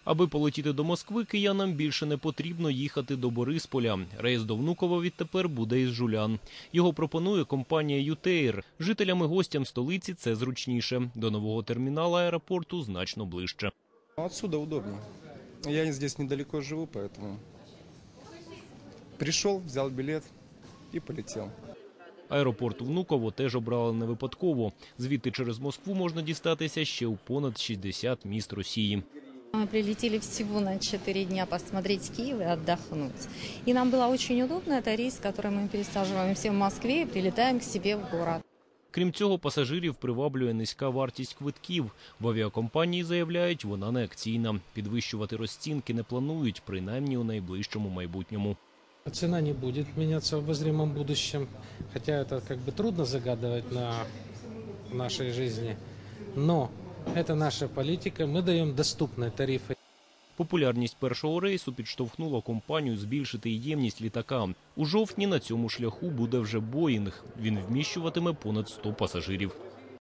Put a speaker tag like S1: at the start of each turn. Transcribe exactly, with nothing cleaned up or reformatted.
S1: Аби полетіти до Москви, киянам більше не потрібно їхати до Борисполя. Рейс до Внуково відтепер буде із Жулян. Його пропонує компанія «Ютеїр». Жителям і гостям столиці це зручніше. До нового термінала аеропорту значно ближче.
S2: Отсюда удобно. Я здесь недалеко живу, поэтому пришел, взял билет и полетел.
S1: Аеропорт Внуково теж обрали не випадково. Звідти через Москву можна дістатися ще у понад шістдесят міст Росії.
S3: Мы прилетели всего на четыре дня посмотреть Киев и отдохнуть. И нам было очень удобно. Это рейс, который мы пересаживаемся в Москве и прилетаем к себе в город.
S1: Крім цього, пасажирів приваблює низька вартість квитків. В авіакомпанії заявляють, вона не акційна. Підвищувати розцінки не планують, принаймні у найближчому майбутньому.
S4: Цена не будет меняться в обозримом будущем, хотя это как бы трудно загадывать на нашей жизни. Но это наша политика, мы даем доступные тарифы.
S1: Популярність першого рейсу підштовхнула компанію збільшити ємність літака. У жовтні на цьому шляху буде вже Боїнг. Він вміщуватиме понад сто пасажирів.